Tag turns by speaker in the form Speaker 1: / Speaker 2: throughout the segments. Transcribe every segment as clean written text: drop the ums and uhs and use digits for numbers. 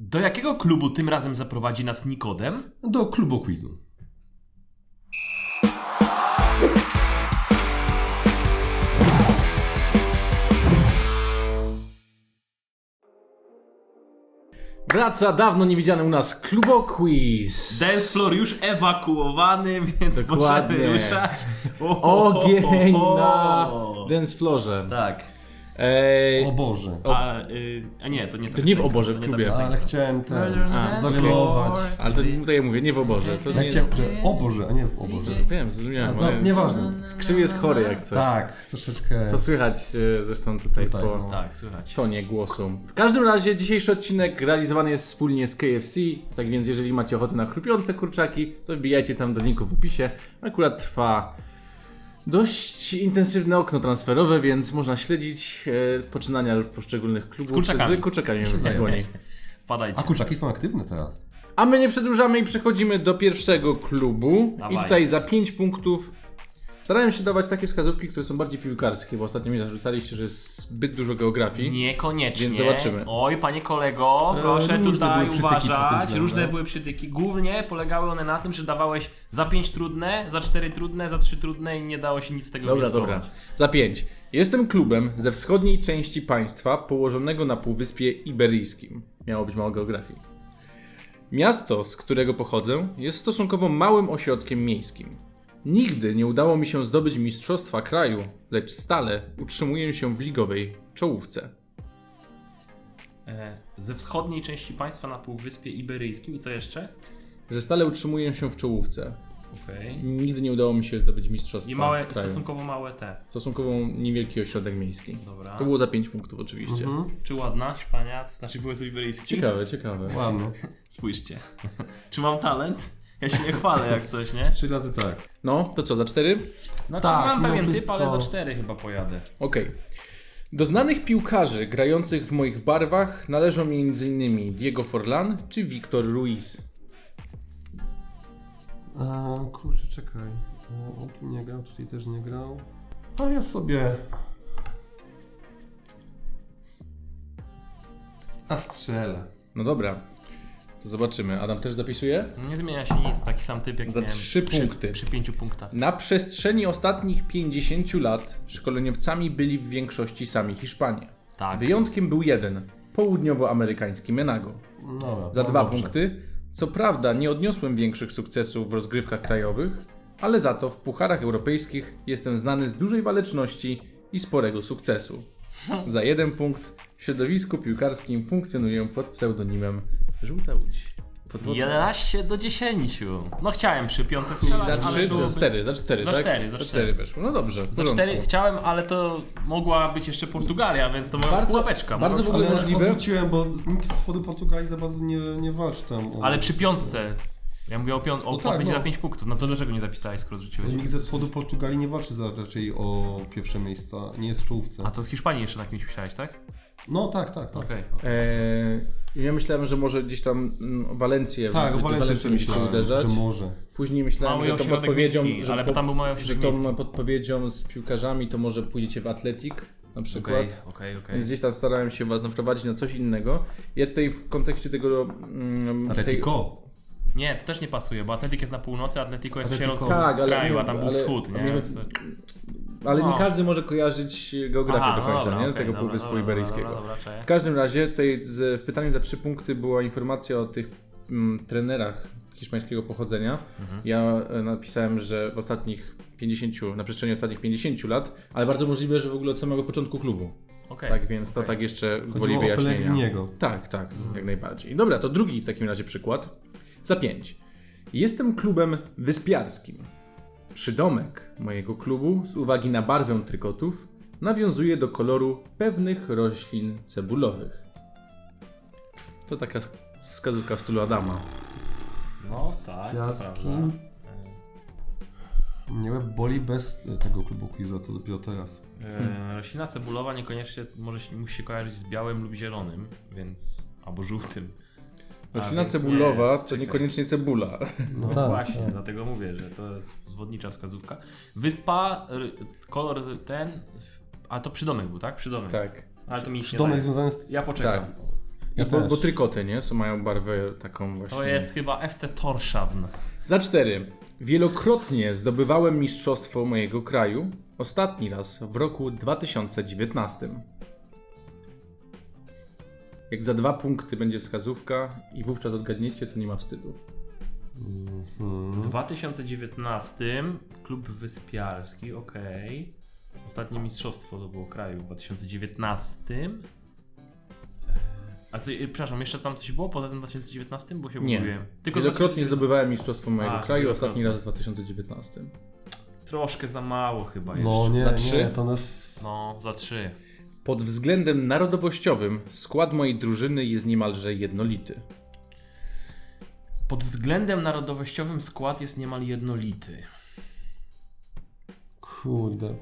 Speaker 1: Do jakiego klubu tym razem zaprowadzi nas Nikodem?
Speaker 2: Do klubu quizu.
Speaker 3: Wraca dawno niewidziany u nas Klubo Quiz.
Speaker 1: Dance floor już ewakuowany, więc
Speaker 3: Dokładnie.
Speaker 1: możemy ruszać.
Speaker 3: Ogień na dance floorze.
Speaker 1: Tak.
Speaker 2: O Boże.
Speaker 1: A nie, to nie ta
Speaker 3: To nie w
Speaker 1: piosenka,
Speaker 3: oborze
Speaker 1: to
Speaker 3: w
Speaker 1: nie ta
Speaker 3: klubie.
Speaker 1: piosenka.
Speaker 2: Ale chciałem
Speaker 3: A,
Speaker 2: zawielować.
Speaker 3: Ale to ja mówię, nie w oborze. To
Speaker 2: Ja
Speaker 3: nie,
Speaker 2: chciałem, że o Boże, a nie w oborze.
Speaker 3: Wiem, zrozumiałem.
Speaker 2: No, nieważne.
Speaker 3: Krzywy jest chory jak coś.
Speaker 2: Tak, troszeczkę.
Speaker 3: Co słychać zresztą tutaj
Speaker 2: Tutaj,
Speaker 3: po
Speaker 2: no.
Speaker 1: Tak, słychać.
Speaker 3: tonie głosu. W każdym razie dzisiejszy odcinek realizowany jest wspólnie z KFC, tak więc jeżeli macie ochotę na chrupiące kurczaki, to wbijajcie tam do linku w opisie. Akurat trwa dość intensywne okno transferowe, więc można śledzić poczynania poszczególnych klubów
Speaker 1: Z kurczakami.
Speaker 3: na dłoni.
Speaker 1: Padajcie.
Speaker 2: A kurczaki są aktywne teraz.
Speaker 3: A my nie przedłużamy i przechodzimy do pierwszego klubu.
Speaker 1: Dawaj.
Speaker 3: I tutaj za 5 punktów starałem się dawać takie wskazówki, które są bardziej piłkarskie, bo ostatnio mi zarzucaliście, że jest zbyt dużo geografii.
Speaker 1: Niekoniecznie.
Speaker 3: Więc zobaczymy.
Speaker 1: Oj, panie kolego, proszę
Speaker 2: różne
Speaker 1: tutaj
Speaker 2: były przytyki pod tym
Speaker 1: uważać.
Speaker 2: względem.
Speaker 1: Różne były przytyki. Głównie polegały one na tym, że dawałeś za 5 trudne, za 4 trudne, za 3 trudne i nie dało się nic z tego
Speaker 3: Dobra,
Speaker 1: wnioskować.
Speaker 3: dobra. Za 5. Jestem klubem ze wschodniej części państwa położonego na Półwyspie Iberyjskim. Miało być mało geografii. Miasto, z którego pochodzę, jest stosunkowo małym ośrodkiem miejskim. Nigdy nie udało mi się zdobyć mistrzostwa kraju, lecz stale utrzymuję się w ligowej czołówce.
Speaker 1: Ze wschodniej części państwa na Półwyspie Iberyjskim i co jeszcze?
Speaker 3: Że stale utrzymuję się w czołówce.
Speaker 1: Okej.
Speaker 3: Nigdy nie udało mi się zdobyć mistrzostwa
Speaker 1: I małe,
Speaker 3: kraju.
Speaker 1: stosunkowo małe te.
Speaker 3: Stosunkowo niewielki ośrodek miejski.
Speaker 1: Dobra.
Speaker 3: To było za 5 punktów oczywiście.
Speaker 1: Czy ładna, szpania, znaczy były z Iberyjski?
Speaker 3: Ciekawe, ciekawe.
Speaker 2: Ładnie.
Speaker 1: Spójrzcie. Czy mam talent? Ja się nie chwalę jak coś, nie?
Speaker 2: 3 razy tak.
Speaker 3: No, to co, za 4?
Speaker 1: Znaczy
Speaker 2: Tak,
Speaker 1: mam
Speaker 2: mimo
Speaker 1: pewien typ,
Speaker 2: wszystko-
Speaker 1: ale za 4 chyba pojadę.
Speaker 3: Okej. Do znanych piłkarzy grających w moich barwach należą m.in. Diego Forlan czy Victor Ruiz.
Speaker 2: Kurczę, czekaj. On tu nie grał, tutaj też nie grał. A ja sobie... strzelę.
Speaker 3: No dobra, to zobaczymy. Adam też zapisuje?
Speaker 1: Nie zmienia się nic, taki sam typ jak
Speaker 3: Za
Speaker 1: miałem
Speaker 3: 3 punkty.
Speaker 1: przy 5 punktach.
Speaker 3: Na przestrzeni ostatnich 50 lat szkoleniowcami byli w większości sami Hiszpanie.
Speaker 1: Tak.
Speaker 3: Wyjątkiem był jeden, południowoamerykański Menago.
Speaker 2: Dobra,
Speaker 3: Za
Speaker 2: no
Speaker 3: 2
Speaker 2: dobrze.
Speaker 3: punkty. Co prawda nie odniosłem większych sukcesów w rozgrywkach krajowych, ale za to w pucharach europejskich jestem znany z dużej waleczności i sporego sukcesu. Za 1 punkt w środowisku piłkarskim funkcjonuję pod pseudonimem Żółta Łódź. Podwodna.
Speaker 1: 11 do 10. No chciałem przy piątce
Speaker 3: Za
Speaker 1: strzelać,
Speaker 3: 3,
Speaker 1: ale
Speaker 3: za
Speaker 1: byłoby...
Speaker 3: 4, za 4,
Speaker 1: Za
Speaker 3: tak?
Speaker 1: cztery, za
Speaker 3: Za
Speaker 1: cztery.
Speaker 3: 4 weszło. No dobrze, w
Speaker 1: Za
Speaker 3: porządku.
Speaker 1: 4 chciałem, ale to mogła być jeszcze Portugalia, więc to była
Speaker 3: Bardzo-
Speaker 1: pułapeczka.
Speaker 3: bardzo w ogóle
Speaker 2: Ale
Speaker 3: możliwe.
Speaker 2: odrzuciłem, bo nikt z wschodu Portugalii za bardzo nie walczy tam.
Speaker 1: Ale przy piątce. Ja mówię o
Speaker 2: tak,
Speaker 1: będzie
Speaker 2: no.
Speaker 1: za 5 punktów. No to dlaczego nie zapisałeś, skoro rzuciłeś?
Speaker 2: Nikt ze wschodu Portugalii nie walczy raczej o pierwsze miejsca, nie jest w czołówce.
Speaker 1: A to z Hiszpanii jeszcze na kimś myślałeś, tak?
Speaker 2: No tak.
Speaker 1: Okej.
Speaker 3: Ja myślałem, że może gdzieś tam Walencję.
Speaker 2: Tak, o Walencji
Speaker 3: mi się
Speaker 2: myślałem,
Speaker 3: uderzać.
Speaker 2: że może.
Speaker 3: Później myślałem,
Speaker 1: Mały
Speaker 3: że to
Speaker 1: ośrodek
Speaker 3: podpowiedzią,
Speaker 1: miejski, ale tam był mały
Speaker 3: że
Speaker 1: ośrodek
Speaker 3: tą
Speaker 1: miejski.
Speaker 3: podpowiedzią z piłkarzami to może pójdziecie w Atletik na przykład.
Speaker 1: Okej.
Speaker 3: Więc gdzieś tam starałem się was naprowadzić na coś innego. Ja tutaj w kontekście tego...
Speaker 2: Atletico.
Speaker 1: Nie, to też nie pasuje, bo Atletik jest na północy, Atletico jest w
Speaker 2: Atletico.
Speaker 1: środku
Speaker 3: Tak, ale
Speaker 1: kraju,
Speaker 3: nie-
Speaker 1: a tam był
Speaker 3: ale-
Speaker 1: wschód, nie?
Speaker 3: ale-
Speaker 1: Więc...
Speaker 3: Ale nie
Speaker 1: No.
Speaker 3: każdy może kojarzyć geografię
Speaker 1: Aha,
Speaker 3: do końca,
Speaker 1: dobra,
Speaker 3: nie?
Speaker 1: okej,
Speaker 3: Tego
Speaker 1: dobra,
Speaker 3: Półwyspu
Speaker 1: dobra,
Speaker 3: Iberyjskiego.
Speaker 1: dobra, cześć.
Speaker 3: W każdym razie tutaj w pytaniu za 3 punkty była informacja o tych trenerach hiszpańskiego pochodzenia. Ja napisałem, że w ostatnich 50, na przestrzeni ostatnich 50 lat, ale bardzo możliwe, że w ogóle od samego początku klubu.
Speaker 1: Okej.
Speaker 3: Tak więc to tak jeszcze gwoli
Speaker 2: Chodziło o
Speaker 3: wyjaśnienia.
Speaker 2: Pellegriniego.
Speaker 3: Tak, jak najbardziej. Dobra, to drugi w takim razie przykład. Za 5. Jestem klubem wyspiarskim. Przydomek mojego klubu z uwagi na barwę trykotów nawiązuje do koloru pewnych roślin cebulowych. To taka wskazówka w stylu Adama.
Speaker 1: No tak, to
Speaker 2: Piaski.
Speaker 1: prawda.
Speaker 2: Mnie łeb boli bez tego klubu quizu, co dopiero teraz.
Speaker 1: Roślina cebulowa niekoniecznie musi się kojarzyć z białym lub zielonym, więc... albo żółtym.
Speaker 3: Roślina
Speaker 1: więc
Speaker 3: cebulowa
Speaker 1: nie,
Speaker 3: to
Speaker 1: czekaj.
Speaker 3: niekoniecznie cebula.
Speaker 1: No właśnie, dlatego mówię, że to jest zwodnicza wskazówka. Wyspa, kolor ten... A to przydomek był, tak? Przydomek.
Speaker 3: Tak.
Speaker 1: Ale to mi się nie
Speaker 2: Przydomek
Speaker 1: daje.
Speaker 2: związany z...
Speaker 1: Ja poczekam.
Speaker 3: Tak.
Speaker 2: Ja
Speaker 3: bo
Speaker 2: też.
Speaker 3: trykoty, nie? Mają barwę taką właśnie.
Speaker 1: To jest chyba FC Torshavn.
Speaker 3: Za 4. Wielokrotnie zdobywałem mistrzostwo mojego kraju. Ostatni raz w roku 2019. Jak za 2 punkty będzie wskazówka i wówczas odgadniecie, to nie ma wstydu.
Speaker 1: W 2019 klub wyspiarski, okej. Ostatnie mistrzostwo to było kraju w 2019. A co, przepraszam, jeszcze tam coś było poza tym 2019? Bo się
Speaker 3: Nie.
Speaker 1: pogubiłem.
Speaker 3: Wielokrotnie zdobywałem mistrzostwo mojego
Speaker 1: A,
Speaker 3: kraju.
Speaker 1: wielokrotnie.
Speaker 3: Ostatni raz w 2019.
Speaker 1: Troszkę za mało chyba jeszcze.
Speaker 2: No nie,
Speaker 3: Za 3?
Speaker 2: nie, to nas...
Speaker 1: No, za 3.
Speaker 3: Pod względem narodowościowym skład mojej drużyny jest niemalże jednolity.
Speaker 1: Pod względem narodowościowym skład jest niemal jednolity.
Speaker 2: Kurde.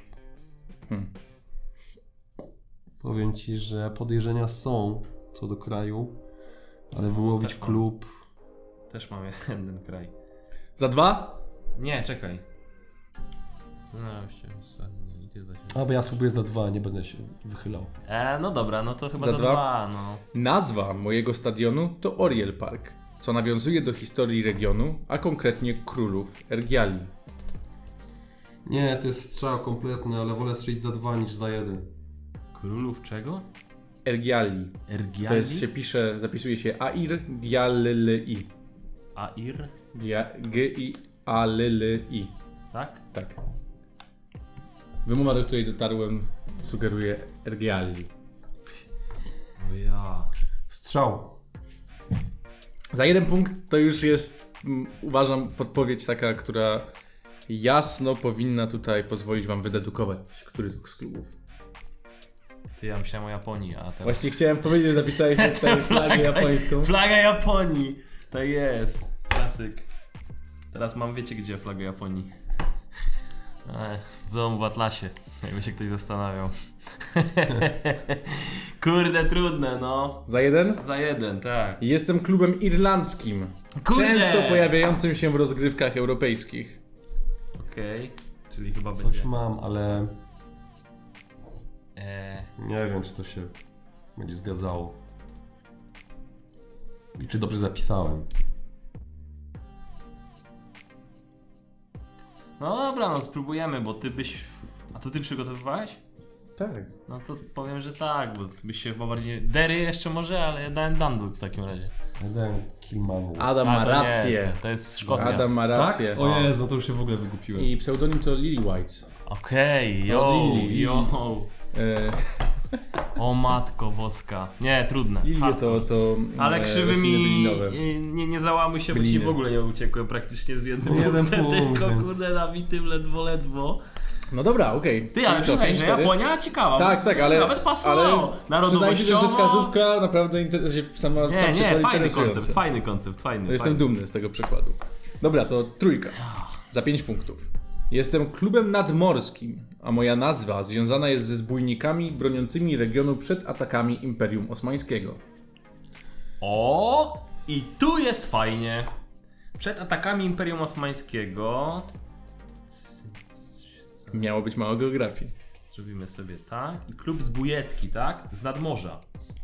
Speaker 2: Powiem ci, że podejrzenia są co do kraju, ale wyłowić
Speaker 1: Też mam.
Speaker 2: klub...
Speaker 1: Też mam jeden kraj.
Speaker 3: Za 2?
Speaker 1: Nie, czekaj. No,
Speaker 2: A, bo ja spróbuję za 2, nie będę się wychylał.
Speaker 1: no dobra, no to chyba
Speaker 3: Za
Speaker 1: za
Speaker 3: dwa?
Speaker 1: 2, no.
Speaker 3: Nazwa mojego stadionu to Oriel Park, co nawiązuje do historii regionu, a konkretnie królów Ergiali.
Speaker 2: Nie, to jest strzał kompletny, ale wolę strzelić za 2 niż za 1.
Speaker 1: Królów czego?
Speaker 3: Ergiali.
Speaker 1: Ergiali?
Speaker 3: To jest, się pisze, zapisuje się Air Gialli.
Speaker 1: Air?
Speaker 3: G-I-A-L-L-I.
Speaker 1: Tak?
Speaker 3: Tak. Wymowa, do której dotarłem, sugeruje Ergiali.
Speaker 1: O ja.
Speaker 2: Strzał.
Speaker 3: Za 1 punkt to już jest, uważam, podpowiedź taka, która jasno powinna tutaj pozwolić wam wydedukować, który to z klubów.
Speaker 1: Ty, ja myślałem o Japonii, a teraz...
Speaker 3: Właśnie chciałem powiedzieć, że napisałeś tutaj flagę japońską.
Speaker 1: Flaga Japonii! Tak jest. Klasyk. Teraz mam, wiecie gdzie flagę Japonii? W domu w Atlasie, jakby się ktoś zastanawiał. Kurde, trudne, no.
Speaker 3: Za 1?
Speaker 1: Za 1, tak.
Speaker 3: Jestem klubem irlandzkim.
Speaker 1: Kurde!
Speaker 3: Często pojawiającym się w rozgrywkach europejskich.
Speaker 1: Okej, czyli chyba
Speaker 2: Coś
Speaker 1: będzie...
Speaker 2: mam, ale
Speaker 1: Eee,
Speaker 2: nie wiem, czy to się będzie zgadzało. I czy dobrze zapisałem.
Speaker 1: no dobra, no spróbujemy, bo ty byś... A to ty przygotowywałeś?
Speaker 3: Tak.
Speaker 1: No to powiem, że tak, bo ty byś się chyba bardziej... Dery jeszcze może, ale ja dałem Dundalk w takim razie.
Speaker 2: Ja dałem Kilmanu.
Speaker 3: Adam
Speaker 1: A,
Speaker 3: ma
Speaker 1: to
Speaker 3: rację.
Speaker 1: Nie, to jest Szkocja.
Speaker 3: Adam ma
Speaker 2: Tak?
Speaker 3: rację.
Speaker 2: O Jezu, no to już się w ogóle wygupiłem.
Speaker 3: I pseudonim to Lily White.
Speaker 1: Okej, yo,
Speaker 3: Od Lili.
Speaker 1: yo.
Speaker 3: E,
Speaker 1: O matko boska. Nie, trudne.
Speaker 3: Lilie
Speaker 1: Hardcore.
Speaker 3: to
Speaker 1: Ale krzywy
Speaker 3: rośliny
Speaker 1: mi...
Speaker 3: bylinowe.
Speaker 1: Nie załamuj się, bo ci
Speaker 3: Byliny.
Speaker 1: w ogóle nie uciekłem praktycznie z jednym
Speaker 2: No jeden
Speaker 1: punktem,
Speaker 2: punkt,
Speaker 1: tylko
Speaker 2: więc-
Speaker 1: kurde nabitym ledwo.
Speaker 3: No dobra, okej.
Speaker 1: Ty, ale przyznaj, że Japonia ciekawa.
Speaker 3: Tak, tak, ale...
Speaker 1: Nawet pasowało.
Speaker 3: Przyznajcie też,
Speaker 1: Narodowościowo...
Speaker 3: że wskazówka naprawdę sam
Speaker 1: Nie,
Speaker 3: przykład
Speaker 1: fajny
Speaker 3: interesujący.
Speaker 1: koncept, fajny koncept, fajny.
Speaker 3: To jestem dumny z tego przykładu. Dobra, to 3. Za 5 punktów. Jestem klubem nadmorskim, a moja nazwa związana jest ze zbójnikami broniącymi regionu przed atakami Imperium Osmańskiego.
Speaker 1: O! I tu jest fajnie. Przed atakami Imperium Osmańskiego...
Speaker 3: Miało być mało geografii.
Speaker 1: Zrobimy sobie tak. I klub zbójecki, tak? Z nadmorza.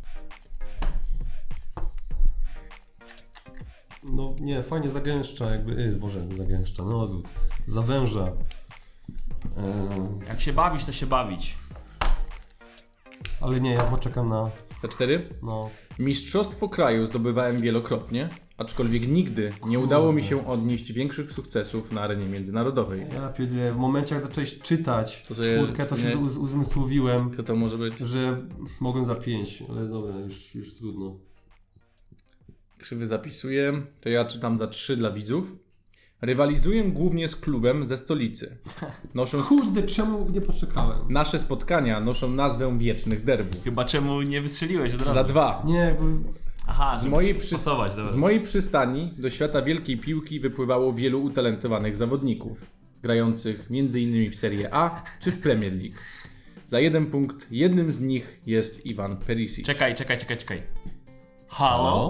Speaker 2: No nie, fajnie zagęszcza jakby, Boże, zagęszcza, no odwrót. Zawęża.
Speaker 1: Jak się bawić, to się bawić.
Speaker 2: Ale nie, ja poczekam na,
Speaker 3: Za 4.
Speaker 2: no...
Speaker 3: Mistrzostwo kraju zdobywałem wielokrotnie, aczkolwiek nigdy nie udało mi się odnieść większych sukcesów na arenie międzynarodowej.
Speaker 2: Ja pierdzie, w momencie jak zacząłeś czytać
Speaker 3: To sobie-
Speaker 2: czwórkę, to się
Speaker 3: nie.
Speaker 2: uzmysłowiłem,
Speaker 3: Co to może być?
Speaker 2: że mogłem za 5, ale dobra, już trudno.
Speaker 3: Krzywy zapisuję, to ja czytam za 3 dla widzów. Rywalizuję głównie z klubem ze stolicy.
Speaker 2: Kurde, czemu nie poczekałem?
Speaker 3: Nasze spotkania noszą nazwę Wiecznych Derbów.
Speaker 1: Chyba czemu nie wystrzeliłeś od razu?
Speaker 3: Za 2.
Speaker 2: Nie, jakby...
Speaker 1: Aha,
Speaker 3: Z
Speaker 1: żeby
Speaker 3: mojej,
Speaker 1: pasować, dobra.
Speaker 3: z mojej przystani do świata wielkiej piłki wypływało wielu utalentowanych zawodników, grających m.in. w Serie A czy w Premier League. Za 1 punkt jednym z nich jest Iwan Perisic.
Speaker 1: Czekaj. Halo?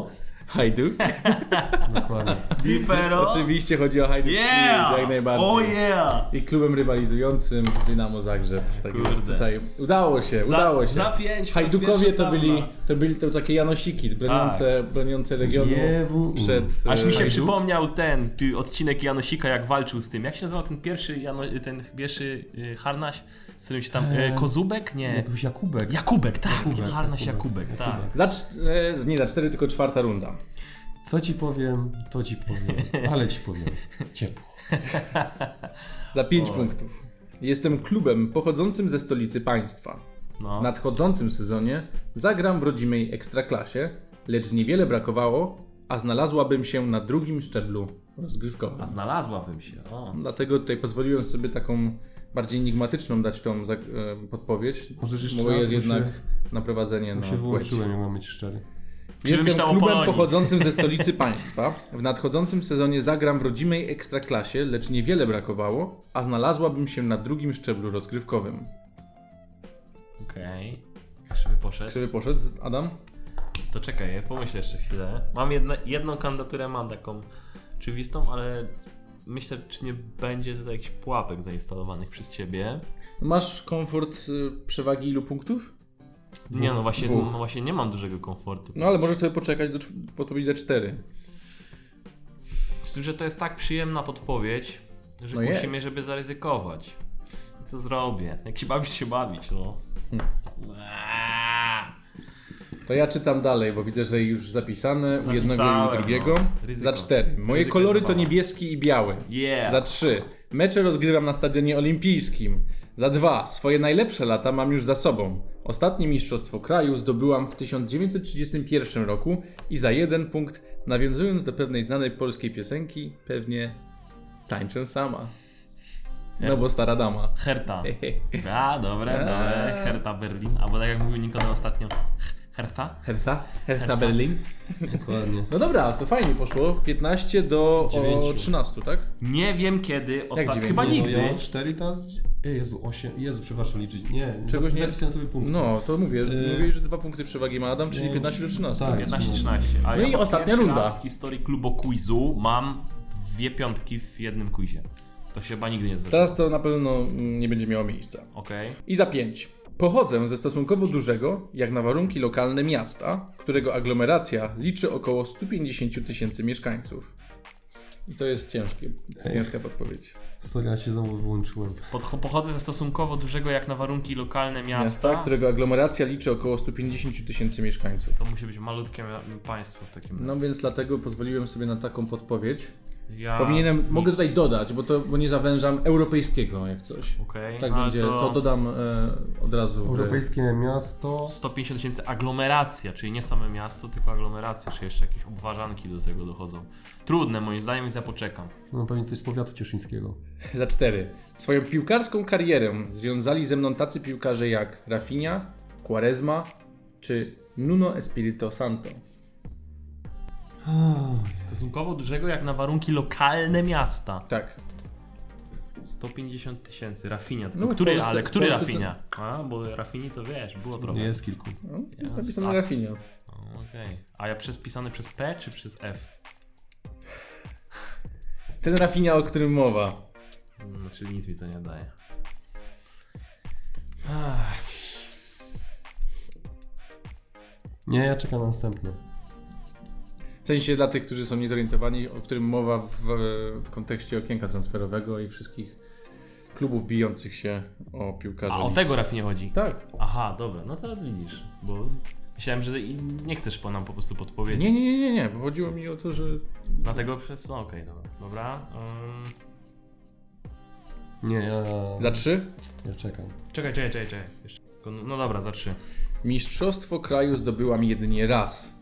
Speaker 3: Hajduk.
Speaker 2: Dokładnie.
Speaker 1: Dipero?
Speaker 3: Oczywiście chodzi o Hajduk
Speaker 1: Yeah!
Speaker 3: jak najbardziej.
Speaker 1: Oh yeah!
Speaker 3: I klubem rywalizującym Dynamo Zagrzeb. Tak
Speaker 1: Kurde.
Speaker 3: jest tutaj. Udało się.
Speaker 1: Za 5.
Speaker 3: Hajdukowie to byli takie Janosiki broniące regionu
Speaker 2: Zbiewu.
Speaker 3: przed...
Speaker 1: Aż mi się
Speaker 3: Hajduk.
Speaker 1: przypomniał ten odcinek Janosika, jak walczył z tym. Jak się nazywał ten pierwszy harnaś, z którym się tam... Kozubek? Nie.
Speaker 2: Jakiś Jakubek.
Speaker 1: Jakubek, tak.
Speaker 2: Jakubek,
Speaker 1: Harnaś
Speaker 2: Jakubek,
Speaker 1: Jakubek, tak.
Speaker 3: Nie za 4, tylko 4. runda.
Speaker 2: Co ci powiem, to ci powiem. Ale ci powiem. Ciepło.
Speaker 3: Za 5 punktów. Jestem klubem pochodzącym ze stolicy państwa.
Speaker 1: No.
Speaker 3: W nadchodzącym sezonie zagram w rodzimej ekstraklasie, lecz niewiele brakowało, a znalazłabym się na drugim szczeblu rozgrywkowym.
Speaker 1: A znalazłabym się. O.
Speaker 3: Dlatego tutaj pozwoliłem sobie taką bardziej enigmatyczną dać tą podpowiedź.
Speaker 2: Możesz jeszcze
Speaker 3: Bo
Speaker 2: raz,
Speaker 3: jest
Speaker 2: bo
Speaker 3: jednak
Speaker 2: się-
Speaker 3: naprowadzenie na
Speaker 2: Się
Speaker 3: płeć.
Speaker 2: wyłączyłem, jak mam być szczery.
Speaker 1: Czy myślał
Speaker 3: Jestem
Speaker 1: o
Speaker 3: klubem
Speaker 1: Polonii?
Speaker 3: pochodzącym ze stolicy państwa. W nadchodzącym sezonie zagram w rodzimej ekstraklasie, lecz niewiele brakowało, a znalazłabym się na drugim szczeblu rozgrywkowym.
Speaker 1: Okej. Krzywy poszedł.
Speaker 3: Krzywy poszedł, Adam?
Speaker 1: To czekaj, ja pomyślę jeszcze chwilę. Mam jedną kandydaturę, mam taką oczywistą, ale myślę, czy nie będzie tutaj jakichś pułapek zainstalowanych przez ciebie.
Speaker 3: Masz komfort przewagi ilu punktów?
Speaker 1: Nie, no właśnie,
Speaker 3: Dwóch.
Speaker 1: nie mam dużego komfortu.
Speaker 3: No ale możesz sobie poczekać do podpowiedzi za 4.
Speaker 1: Z tym, że to jest tak przyjemna podpowiedź, że
Speaker 3: No
Speaker 1: kusi mnie,
Speaker 3: jest.
Speaker 1: żeby zaryzykować. I to zrobię. Jak się bawić, się bawić, no.
Speaker 3: To ja czytam dalej, bo widzę, że już zapisane u jednego i u
Speaker 1: Napisałem,
Speaker 3: drugiego.
Speaker 1: no. Ryzyko.
Speaker 3: Za 4. Moje
Speaker 1: Ryzyko
Speaker 3: kolory
Speaker 1: jest
Speaker 3: to
Speaker 1: zabawa.
Speaker 3: niebieski i biały.
Speaker 1: Yeah!
Speaker 3: Za 3. Mecze rozgrywam na stadionie olimpijskim. Za 2. Swoje najlepsze lata mam już za sobą. Ostatnie mistrzostwo kraju zdobyłam w 1931 roku i za 1 punkt, nawiązując do pewnej znanej polskiej piosenki, pewnie tańczę sama. No bo stara dama.
Speaker 1: Herta. A, dobre. Herta Berlin. Albo tak jak mówił Nikodem ostatnio. Hertha?
Speaker 3: Hertha Berlin.
Speaker 2: Dokładnie.
Speaker 3: No dobra, to fajnie poszło. 15 do
Speaker 2: 9.
Speaker 3: 13, tak?
Speaker 1: Nie wiem kiedy ostatnio.
Speaker 3: dziewięć?
Speaker 1: Chyba
Speaker 2: No,
Speaker 1: nigdy.
Speaker 2: ja mam 4 teraz. Jezu, 8. Jezu, przepraszam, liczyć. Nie,
Speaker 3: Czegoś nie-
Speaker 2: zapisałem sobie punkty.
Speaker 3: No, to mówię, mówię, że 2 punkty przewagi ma Adam, czyli
Speaker 2: No,
Speaker 3: 15 do 13.
Speaker 2: tak.
Speaker 1: 15-13. A
Speaker 3: No i
Speaker 1: ja
Speaker 3: ostatnia
Speaker 1: pierwszy
Speaker 3: runda.
Speaker 1: raz w historii klubu quizu mam 2 piątki w jednym quizie. To się chyba nigdy nie zdarzyło.
Speaker 3: Teraz to na pewno nie będzie miało miejsca.
Speaker 1: Okej.
Speaker 3: I za 5. Pochodzę ze stosunkowo dużego, jak na warunki lokalne miasta, którego aglomeracja liczy około 150 tysięcy mieszkańców. I to jest ciężka podpowiedź.
Speaker 2: Sorry, ja się znowu wyłączyłem.
Speaker 1: Pochodzę ze stosunkowo dużego jak na warunki lokalne
Speaker 3: Miasta,
Speaker 1: miasta.
Speaker 3: którego aglomeracja liczy około 150 tysięcy mieszkańców.
Speaker 1: To musi być malutkie państwo w takim razie.
Speaker 3: No więc dlatego pozwoliłem sobie na taką podpowiedź.
Speaker 1: Ja...
Speaker 3: Mogę tutaj dodać, bo nie zawężam europejskiego jak coś.
Speaker 1: Okej.
Speaker 3: Tak
Speaker 1: ale
Speaker 3: będzie, to dodam od razu.
Speaker 2: Europejskie miasto.
Speaker 1: 150 tysięcy aglomeracja, czyli nie same miasto, tylko aglomeracja, czy jeszcze jakieś obwarzanki do tego dochodzą. Trudne moim zdaniem, więc ja poczekam.
Speaker 2: No pewnie coś z powiatu cieszyńskiego.
Speaker 3: Za 4. Swoją piłkarską karierę związali ze mną tacy piłkarze jak Rafinha, Quaresma czy Nuno Espirito Santo.
Speaker 1: Stosunkowo dużego jak na warunki lokalne miasta.
Speaker 3: Tak.
Speaker 1: 150 tysięcy, Rafinha.
Speaker 3: No,
Speaker 1: Tylko
Speaker 3: w Polsce to-
Speaker 1: Rafinha? A, bo Rafini to wiesz, było trochę.
Speaker 2: Jest kilku.
Speaker 3: No, jest
Speaker 1: Ja
Speaker 3: napisane
Speaker 1: za-
Speaker 3: Rafinha.
Speaker 1: Okej. A ja pisany przez P czy przez F?
Speaker 3: Ten Rafinha, o którym mowa.
Speaker 1: Czyli nic mi to nie daje.
Speaker 2: Nie, ja czekam na następny.
Speaker 3: W sensie dla tych, którzy są niezorientowani, o którym mowa w kontekście okienka transferowego i wszystkich klubów bijących się o piłkarzy.
Speaker 1: A o
Speaker 3: Leeds.
Speaker 1: tego Rafinie chodzi?
Speaker 3: Tak.
Speaker 1: Aha, dobra, no to widzisz, bo myślałem, że nie chcesz nam po prostu podpowiedzieć.
Speaker 3: Nie, bo chodziło mi o to, że...
Speaker 1: Dlatego przez... No, okej, dobra.
Speaker 2: Nie, ja...
Speaker 3: Za 3.
Speaker 2: Ja czekam.
Speaker 1: Czekaj. Jeszcze. No dobra, za 3.
Speaker 3: Mistrzostwo kraju zdobyłam jedynie raz.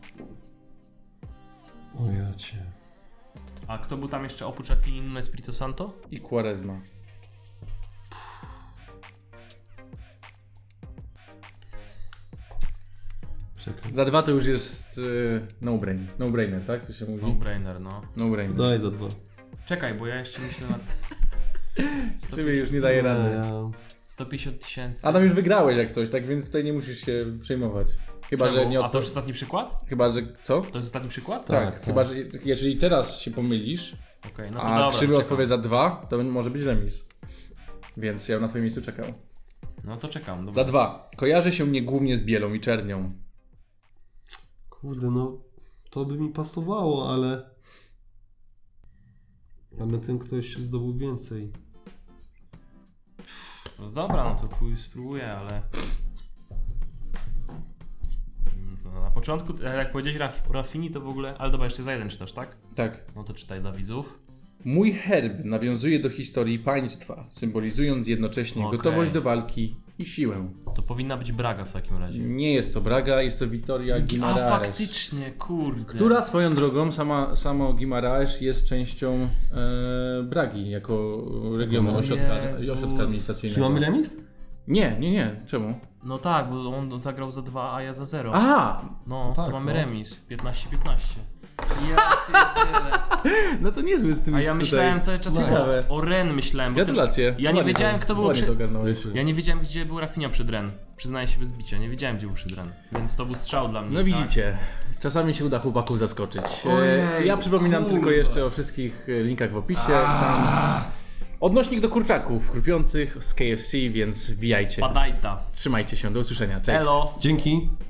Speaker 2: O ja cię.
Speaker 1: A kto był tam jeszcze oprócz Rafini, Nuno Espirito Santo?
Speaker 3: I Quaresma.
Speaker 2: Czekaj.
Speaker 3: Za 2 to już jest no-brainer, tak? To się mówi?
Speaker 1: No-brainer, no.
Speaker 3: No-brainer.
Speaker 2: Daj za 2.
Speaker 1: Czekaj, bo ja jeszcze myślę nad...
Speaker 3: Ciebie już nie daje rady.
Speaker 2: Ja...
Speaker 1: 150 tysięcy.
Speaker 3: Adam, już wygrałeś jak coś, tak więc tutaj nie musisz się przejmować. Chyba, że nie
Speaker 1: A to już ostatni przykład?
Speaker 3: Chyba, że co?
Speaker 1: To jest ostatni przykład?
Speaker 3: Tak, chyba, że jeżeli teraz się pomylisz,
Speaker 1: Okej, no to
Speaker 3: a
Speaker 1: dobra,
Speaker 3: krzywy
Speaker 1: czekam.
Speaker 3: odpowie za 2, to może być remis. Więc ja bym na twoim miejscu czekał.
Speaker 1: No to czekam. Dobra.
Speaker 3: Za 2. Kojarzy się mnie głównie z bielą i czernią.
Speaker 2: Kurde, no to by mi pasowało, ale... Ale ten ktoś zdobył więcej.
Speaker 1: No dobra, no to chuj spróbuję, ale... No, na początku, jak powiedziałeś Raffini, to w ogóle... Ale dobra, jeszcze za jeden czytasz, tak?
Speaker 3: Tak.
Speaker 1: No to czytaj dla widzów.
Speaker 3: Mój herb nawiązuje do historii państwa, symbolizując jednocześnie
Speaker 1: Okej.
Speaker 3: gotowość do walki i siłę.
Speaker 1: To powinna być Braga w takim razie.
Speaker 3: Nie jest to Braga, jest to Vitoria
Speaker 1: A
Speaker 3: Guimaraes.
Speaker 1: faktycznie, kurde.
Speaker 3: Która swoją drogą, samo Guimaraes jest częścią Bragi, jako regionu,
Speaker 2: O
Speaker 3: ośrodka
Speaker 1: Jezus.
Speaker 2: Czy
Speaker 3: administracyjnego.
Speaker 2: mamy remis?
Speaker 3: Nie. Czemu?
Speaker 1: No tak, bo on zagrał za 2, a ja za 0.
Speaker 3: Aha!
Speaker 1: No,
Speaker 2: Tak,
Speaker 1: to mamy
Speaker 2: no.
Speaker 1: remis. 15-15. Ja pierdzielę.
Speaker 3: No to niezły twist
Speaker 1: A ja myślałem cały czas
Speaker 3: Ciekawe.
Speaker 1: o Ren myślałem. bo
Speaker 3: Gratulacje.
Speaker 1: Ja nie
Speaker 3: Ładnie
Speaker 1: wiedziałem, kto był
Speaker 3: ładnie
Speaker 1: przy...
Speaker 3: to ogarnąłeś.
Speaker 1: Ja nie wiedziałem, gdzie był Rafinha przed Ren. Przyznaję się bez bicia, nie wiedziałem, gdzie był przed Ren. Więc to był strzał dla mnie.
Speaker 3: No widzicie, czasami się uda chłopaków zaskoczyć.
Speaker 1: Ojej,
Speaker 3: Ja przypominam
Speaker 1: kurwa.
Speaker 3: tylko jeszcze o wszystkich linkach w opisie. Tam odnośnik do kurczaków chrupiących z KFC, więc wbijajcie.
Speaker 1: Padajta.
Speaker 3: Trzymajcie się, do usłyszenia. Cześć.
Speaker 1: Elo.
Speaker 2: Dzięki.